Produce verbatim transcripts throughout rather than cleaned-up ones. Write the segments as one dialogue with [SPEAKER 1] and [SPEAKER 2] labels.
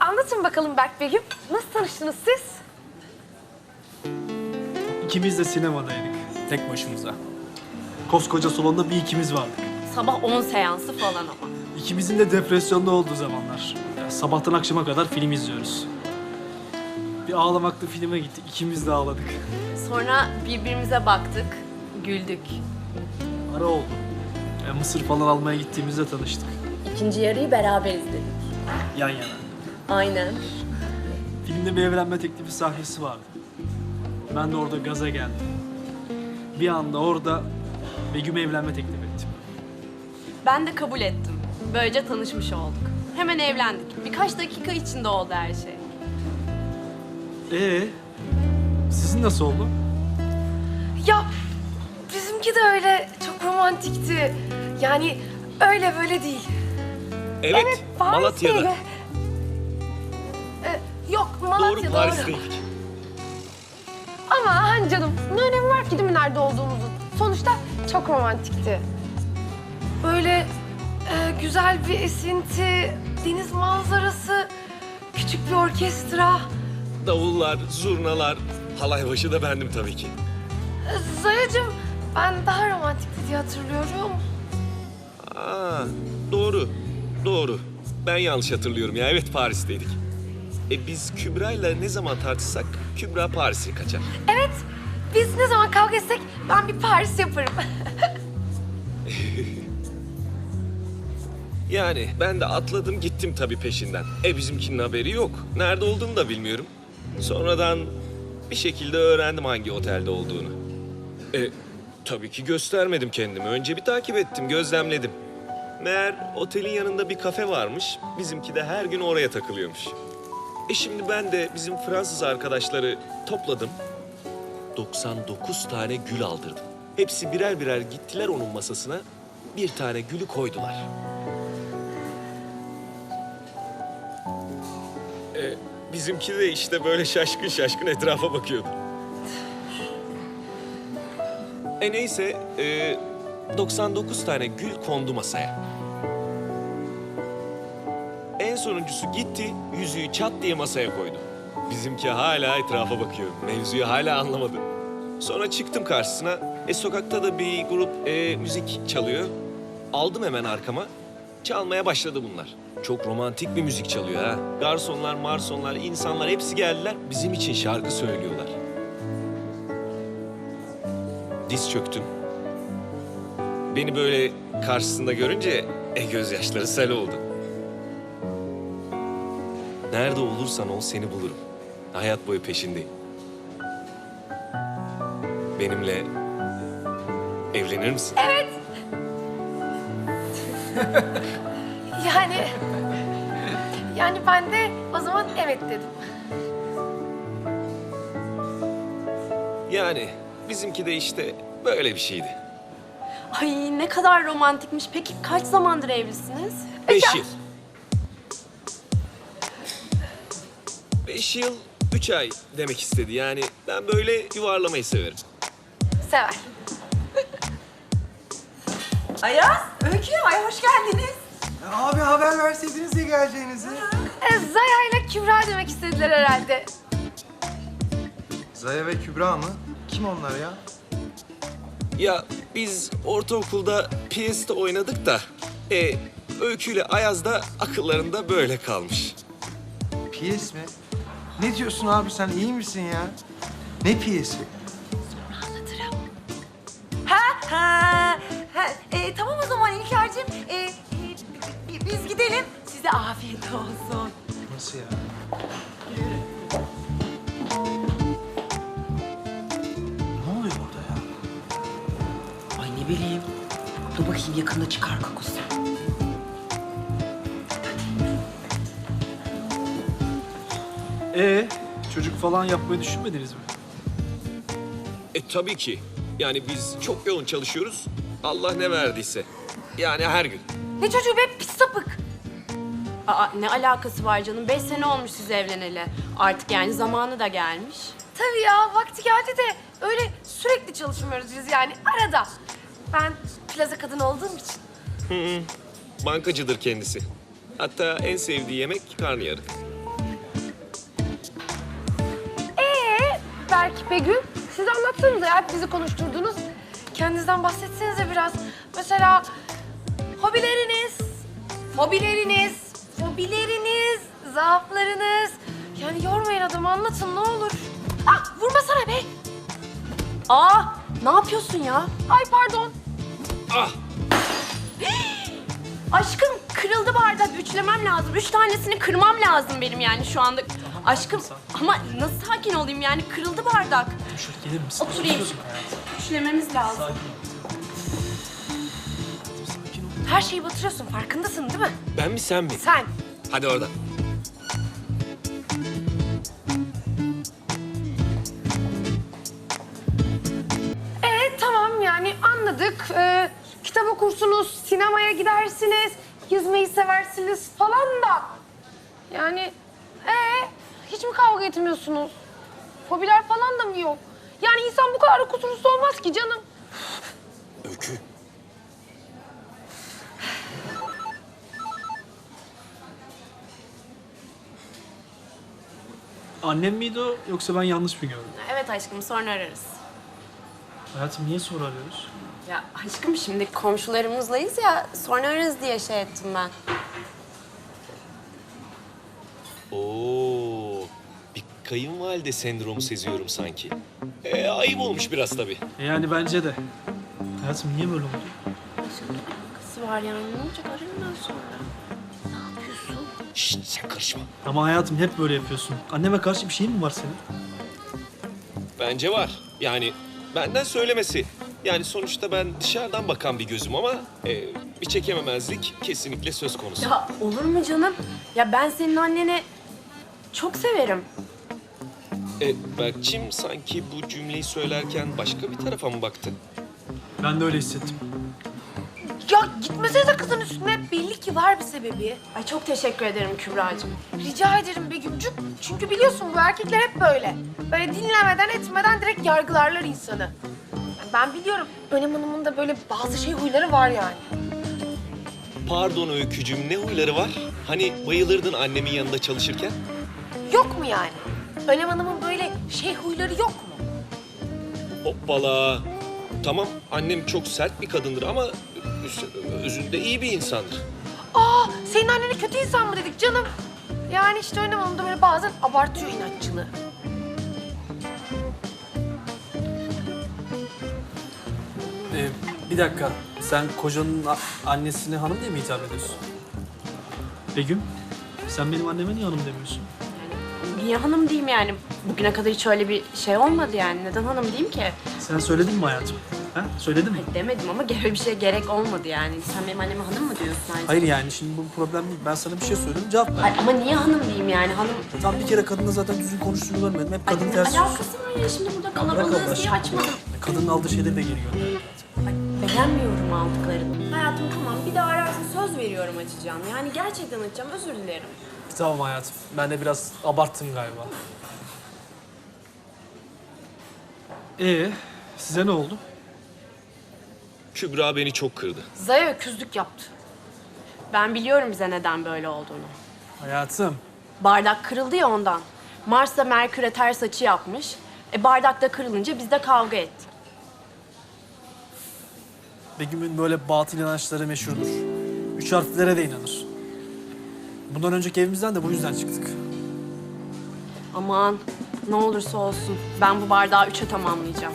[SPEAKER 1] anlatın bakalım Berk Begüm. Nasıl tanıştınız siz?
[SPEAKER 2] İkimiz de sinemadaydık. Tek başımıza. Koskoca salonda bir ikimiz vardık.
[SPEAKER 1] Sabah on seansı falan ama.
[SPEAKER 2] İkimizin de depresyonda olduğu zamanlar. Ya, sabahtan akşama kadar film izliyoruz. Bir ağlamaklı filme gittik. İkimiz de ağladık.
[SPEAKER 1] Sonra birbirimize baktık, güldük.
[SPEAKER 2] Ara oldu. Ya, mısır falan almaya gittiğimizde tanıştık.
[SPEAKER 1] İkinci yarıyı beraber izledik.
[SPEAKER 2] Yan yana.
[SPEAKER 1] Aynen.
[SPEAKER 2] Filmde bir evlenme teklifi sahnesi vardı. Ben de orada gaza geldim. Bir anda orada Begüm'e evlenme teklif ettim.
[SPEAKER 1] Ben de kabul ettim. Böylece tanışmış olduk. Hemen evlendik. Birkaç dakika içinde oldu her şey.
[SPEAKER 2] Ee, sizin nasıl oldu?
[SPEAKER 3] Ya bizimki de öyle çok romantikti. Yani öyle böyle değil.
[SPEAKER 4] Evet, Malatya'da.
[SPEAKER 3] Paris'teydi. Ee, yok
[SPEAKER 4] Doğru,
[SPEAKER 3] Malatya doğru.
[SPEAKER 4] Paris'teydik.
[SPEAKER 3] Ama hani canım ne önemi var ki değil mi nerede olduğumuzun? Sonuçta çok romantikti. Böyle e, güzel bir esinti, deniz manzarası, küçük bir orkestra.
[SPEAKER 4] Davullar, zurnalar, halay başı da bendim tabii ki.
[SPEAKER 3] Ee, Zayacığım ben daha romantikti diye hatırlıyorum.
[SPEAKER 4] Aa, doğru, doğru. Ben yanlış hatırlıyorum ya. Evet, Paris'teydik. E biz Kübra'yla ne zaman tartışsak Kübra Paris'e kaçar.
[SPEAKER 3] Evet, biz ne zaman kavga etsek ben bir Paris yaparım.
[SPEAKER 4] Yani ben de atladım gittim tabii peşinden. E bizimkinin haberi yok. Nerede olduğunu da bilmiyorum. Sonradan bir şekilde öğrendim hangi otelde olduğunu. E tabii ki göstermedim kendimi. Önce bir takip ettim, gözlemledim. Meğer otelin yanında bir kafe varmış. Bizimki de her gün oraya takılıyormuş. E şimdi ben de bizim Fransız arkadaşları topladım. doksan dokuz tane gül aldırdım. Hepsi birer birer gittiler onun masasına. Bir tane gülü koydular. E, bizimki de işte böyle şaşkın şaşkın etrafa bakıyordu. E neyse, e, doksan dokuz tane gül kondu masaya. En sonuncusu gitti, yüzüğü çat diye masaya koydu. Bizimki hala etrafa bakıyor. Mevzuyu hala anlamadı. Sonra çıktım karşısına. E sokakta da bir grup e, müzik çalıyor. Aldım hemen arkama. Çalmaya başladı bunlar. Çok romantik bir müzik çalıyor ha. Garsonlar, marsonlar, insanlar hepsi geldiler. Bizim için şarkı söylüyorlar. Diz çöktüm. Beni böyle karşısında görünce e, gözyaşları sel oldu. Nerede olursan ol seni bulurum. Hayat boyu peşindeyim. Benimle evlenir misin?
[SPEAKER 3] Evet. yani... Yani ben de o zaman evet dedim.
[SPEAKER 4] Yani bizimki de işte böyle bir şeydi.
[SPEAKER 1] Ay ne kadar romantikmiş. Peki kaç zamandır evlisiniz?
[SPEAKER 4] Beş yıl. Beş yıl, üç ay demek istedi. Yani ben böyle yuvarlamayı severim.
[SPEAKER 3] Sever.
[SPEAKER 5] Ayaz, Öykü, ay hoş geldiniz.
[SPEAKER 6] Abi haber verseydiniz ya geleceğinizi.
[SPEAKER 3] E, Zaya ile Kübra demek istediler herhalde.
[SPEAKER 6] Zaya ve Kübra mı? Kim onlar ya?
[SPEAKER 4] Ya biz ortaokulda piyeste oynadık da... E, Öykü ile Ayaz da akıllarında böyle kalmış.
[SPEAKER 6] Piyes mi? Ne diyorsun abi sen iyi misin ya? Ne piyesi?
[SPEAKER 5] Ha, ha, ha. E, tamam o zaman İlker'cim. E, e, bi- biz gidelim. Size afiyet olsun.
[SPEAKER 6] Nasıl ya? Ne oluyor burada ya?
[SPEAKER 5] Ay ne bileyim. Dur bakayım yakında çıkar kokusu.
[SPEAKER 2] Ee, çocuk falan yapmayı düşünmediniz mi?
[SPEAKER 4] E tabii ki. Yani biz çok yoğun çalışıyoruz. Allah ne verdiyse. Yani her gün.
[SPEAKER 3] Ne çocuğu be pis sapık.
[SPEAKER 1] Aa ne alakası var canım? Beş sene olmuş siz evleneli. Artık yani zamanı da gelmiş.
[SPEAKER 3] Tabii ya vakti geldi de öyle sürekli çalışmıyoruz biz yani arada. Ben plaza kadını olduğum için.
[SPEAKER 4] Bankacıdır kendisi. Hatta en sevdiği yemek karnıyarık.
[SPEAKER 3] demek Begüm? Siz anlatsanıza ya, hep bizi konuşturdunuz. Kendinizden bahsetsenize biraz. Mesela hobileriniz, fobileriniz, fobileriniz, zaaflarınız. Yani yormayın adamı, anlatın ne olur. Ah, vurmasana be.
[SPEAKER 1] Aa, ne yapıyorsun ya?
[SPEAKER 3] Ay pardon.
[SPEAKER 4] Ah!
[SPEAKER 1] Aşkım kırıldı bardak. Üçlemem lazım. Üç tanesini kırmam lazım benim yani şu anda. Aşkım ama nasıl sakin olayım yani? Kırıldı bardak.
[SPEAKER 2] Şöyle gelir misin?
[SPEAKER 1] Oturayım.
[SPEAKER 2] Oturuyorsun hayatım.
[SPEAKER 1] Üçlememiz lazım.
[SPEAKER 2] Sakin ol. Sakin ol.
[SPEAKER 3] Her şeyi batırıyorsun, farkındasın değil mi?
[SPEAKER 4] Ben mi sen mi?
[SPEAKER 3] Sen.
[SPEAKER 4] Hadi oradan.
[SPEAKER 3] Ee tamam yani anladık. Ee, kitap okursunuz, sinemaya gidersiniz, yüzmeyi seversiniz falan da. Yani ee hiç mi kavga etmiyorsunuz? Fobiler falan da mı yok? Yani insan bu kadar da kusursuz olmaz ki canım.
[SPEAKER 4] Öykü.
[SPEAKER 2] Annem miydi o yoksa ben yanlış mı gördüm?
[SPEAKER 1] Evet aşkım sonra ararız.
[SPEAKER 2] Hayatım niye soru arıyoruz?
[SPEAKER 1] Ya aşkım şimdi komşularımızlayız ya sonra ararız diye şey ettim ben.
[SPEAKER 4] Oo, bir kayınvalide sendromu seziyorum sanki. Ee, ayıp olmuş biraz tabii.
[SPEAKER 2] E yani bence de. Hayatım niye böyle oldu?
[SPEAKER 1] Aşkım alakası var yani ne olacak ararım ben sonra. Ne yapıyorsun?
[SPEAKER 4] Şşt, sen karışma.
[SPEAKER 2] Ama hayatım hep böyle yapıyorsun. Anneme karşı bir şeyin mi var senin?
[SPEAKER 4] Bence var. Yani benden söylemesi. Yani sonuçta ben dışarıdan bakan bir gözüm ama e, bir çekememezlik kesinlikle söz konusu.
[SPEAKER 1] Ya olur mu canım? Ya ben senin anneni çok severim.
[SPEAKER 4] E, Berkçim sanki bu cümleyi söylerken başka bir tarafa mı baktı?
[SPEAKER 2] Ben de öyle hissettim.
[SPEAKER 3] Ya gitmesenize kızın üstüne. Belli ki var bir sebebi.
[SPEAKER 1] Ay çok teşekkür ederim Kübra'cığım.
[SPEAKER 3] Rica ederim Begümcük. Çünkü biliyorsun bu erkekler hep böyle. Böyle dinlemeden etmeden direkt yargılarlar insanı. Yani ben biliyorum. Önem Hanım'ın da böyle bazı şey huyları var yani.
[SPEAKER 4] Pardon Öykücüm, ne huyları var? Hani bayılırdın annemin yanında çalışırken?
[SPEAKER 3] Yok mu yani? Önem Hanım'ın böyle şey huyları yok mu?
[SPEAKER 4] Hoppala. Tamam, annem çok sert bir kadındır ama üst- özünde iyi bir insandır.
[SPEAKER 3] Aa, senin annene kötü insan mı dedik canım? Yani işte Önem Hanım da böyle bazen abartıyor inatçılığı.
[SPEAKER 2] Ee, bir dakika. Sen kocanın a- annesine hanım diye mi hitap ediyorsun? Begüm, sen benim anneme niye hanım demiyorsun?
[SPEAKER 1] Niye hanım diyeyim yani? Bugüne kadar hiç öyle bir şey olmadı yani. Neden hanım diyeyim ki?
[SPEAKER 2] Sen söyledin mi hayatım? Ha? Söyledin mi?
[SPEAKER 1] Ay demedim ama öyle bir şeye gerek olmadı yani. Sen benim anneme hanım mı diyorsun ayrıca?
[SPEAKER 2] Hayır yani şimdi bu problem değil. Ben sana bir şey söyledim cevap ver.
[SPEAKER 1] Ay, ama niye hanım diyeyim yani? Hanım...
[SPEAKER 2] Tam bir kere kadınla zaten düzgün konuştuğunu görmedim. Hep kadın
[SPEAKER 1] Ay,
[SPEAKER 2] ters
[SPEAKER 1] ne alakası var ya şimdi burada
[SPEAKER 2] bırak Allah
[SPEAKER 1] kalabalığız diye
[SPEAKER 2] aşkına.
[SPEAKER 1] açmadım.
[SPEAKER 2] Kadının aldığı şeyleri de geri gönder.
[SPEAKER 1] Ay, beğenmiyorum aldıklarını. Hayatım tamam bir daha ararsın söz veriyorum açacağım. Yani gerçekten açacağım özür dilerim.
[SPEAKER 2] Tamam hayatım. Ben de biraz abarttım galiba. Ee, size ne oldu?
[SPEAKER 4] Kübra beni çok kırdı.
[SPEAKER 3] Zaya öküzlük yaptı.
[SPEAKER 1] Ben biliyorum bize neden böyle olduğunu.
[SPEAKER 2] Hayatım.
[SPEAKER 1] Bardak kırıldı ya ondan. Mars da Merkür'e ters açı yapmış. E bardak da kırılınca biz de kavga ettik.
[SPEAKER 2] Begüm'ün böyle batıl inançları meşhurdur. Üç harflere de inanır. Bundan önceki evimizden de bu yüzden çıktık.
[SPEAKER 1] Aman ne olursa olsun ben bu bardağı üçe tamamlayacağım.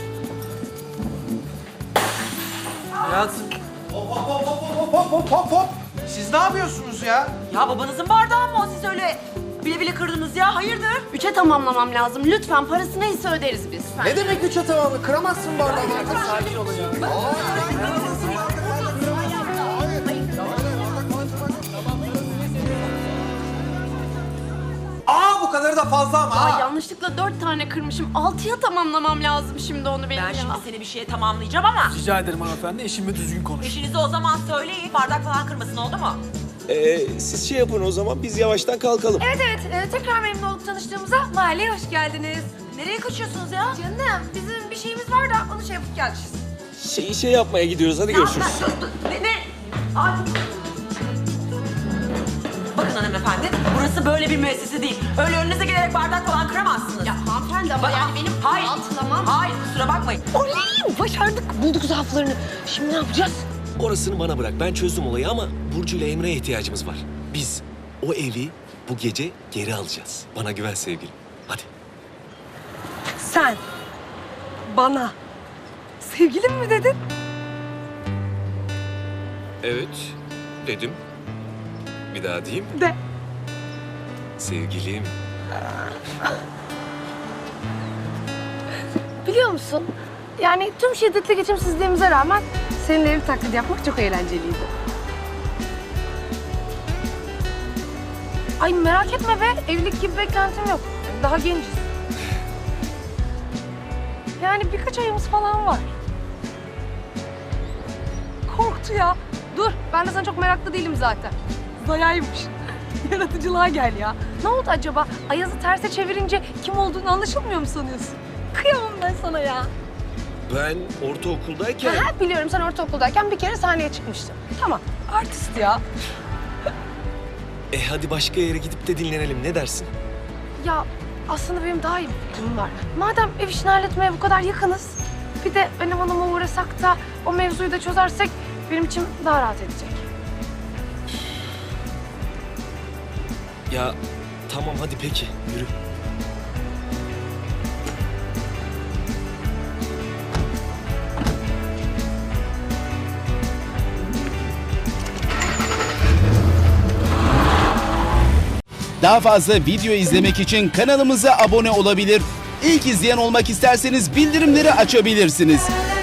[SPEAKER 2] Hayatım.
[SPEAKER 6] Hop hop hop hop hop hop hop. Siz ne yapıyorsunuz ya?
[SPEAKER 5] Ya babanızın bardağı mı o? Siz öyle bile bile kırdınız ya. Hayırdır?
[SPEAKER 1] Üçe tamamlamam lazım. Lütfen parası neyse öderiz biz.
[SPEAKER 6] Ne demek üç tamamı? Kıramazsın bardağı.
[SPEAKER 2] Sakin olun ya.
[SPEAKER 6] Aa bu kadarı da fazla ama
[SPEAKER 1] Ay
[SPEAKER 6] ha.
[SPEAKER 1] yanlışlıkla dört tane kırmışım. Altıya tamamlamam lazım şimdi onu benim
[SPEAKER 5] Ben
[SPEAKER 1] ya.
[SPEAKER 5] şimdi seni bir şeye tamamlayacağım ama
[SPEAKER 2] Rica ederim hanımefendi. Eşimle düzgün konuş.
[SPEAKER 5] eşinize o zaman söyleyin. Bardak falan kırmasın, oldu mu?
[SPEAKER 4] Ee, siz şey yapın o zaman, biz yavaştan kalkalım.
[SPEAKER 3] Evet evet, e, tekrar memnun olduk tanıştığımıza. Mahalleye hoş geldiniz.
[SPEAKER 5] Nereye kaçıyorsunuz ya?
[SPEAKER 3] Canım, bizim bir şeyimiz var da onu şey yapıp geleceğiz.
[SPEAKER 4] Şey, şey yapmaya gidiyoruz, hadi görüşürüz.
[SPEAKER 5] Ne? ne? Ay. Bakın hanımefendi, burası böyle bir müessese değil. Öyle önünüze gelerek bardak falan kıramazsınız.
[SPEAKER 1] Ya hanımefendi hanımefendi ama
[SPEAKER 5] Ba-
[SPEAKER 1] yani benim
[SPEAKER 5] hayır,
[SPEAKER 1] atlamam.
[SPEAKER 5] hayır kusura bakmayın.
[SPEAKER 3] Oley! Başardık. Bulduk zaaflarını. Şimdi ne yapacağız?
[SPEAKER 4] Orasını bana bırak. Ben çözdüm olayı ama Burcu ile Emre'ye ihtiyacımız var. Biz o evi bu gece geri alacağız. Bana güven sevgilim. Hadi.
[SPEAKER 3] Sen bana sevgilim mi dedin?
[SPEAKER 4] Evet dedim. Bir daha diyeyim.
[SPEAKER 3] De.
[SPEAKER 4] Sevgilim.
[SPEAKER 3] Biliyor musun? Yani tüm şiddetli geçimsizliğimize rağmen seninle ev taklidi yapmak çok eğlenceliydi. Ay merak etme be, evlilik gibi beklentim yok. Daha genciz. Yani birkaç ayımız falan var. Korktu ya. Dur, ben de sana çok meraklı değilim zaten. Zayaymış. Yaratıcılığa gel ya. Ne oldu acaba? Ayaz'ı terse çevirince kim olduğunu anlaşılmıyor mu sanıyorsun? Kıyamam ben sana ya.
[SPEAKER 4] Ben ortaokuldayken...
[SPEAKER 3] Ha, biliyorum sen ortaokuldayken bir kere sahneye çıkmıştın. Tamam, artist ya.
[SPEAKER 4] E hadi başka yere gidip de dinlenelim. Ne dersin?
[SPEAKER 3] Ya aslında benim daha iyi bir fikrim var. Madem ev işini halletmeye bu kadar yakınız, bir de benim hanıma uğrasak da o mevzuyu da çözersek benim için daha rahat edecek.
[SPEAKER 4] Ya tamam hadi peki. Yürü.
[SPEAKER 7] Daha fazla video izlemek için kanalımıza abone olabilir. İlk izleyen olmak isterseniz bildirimleri açabilirsiniz.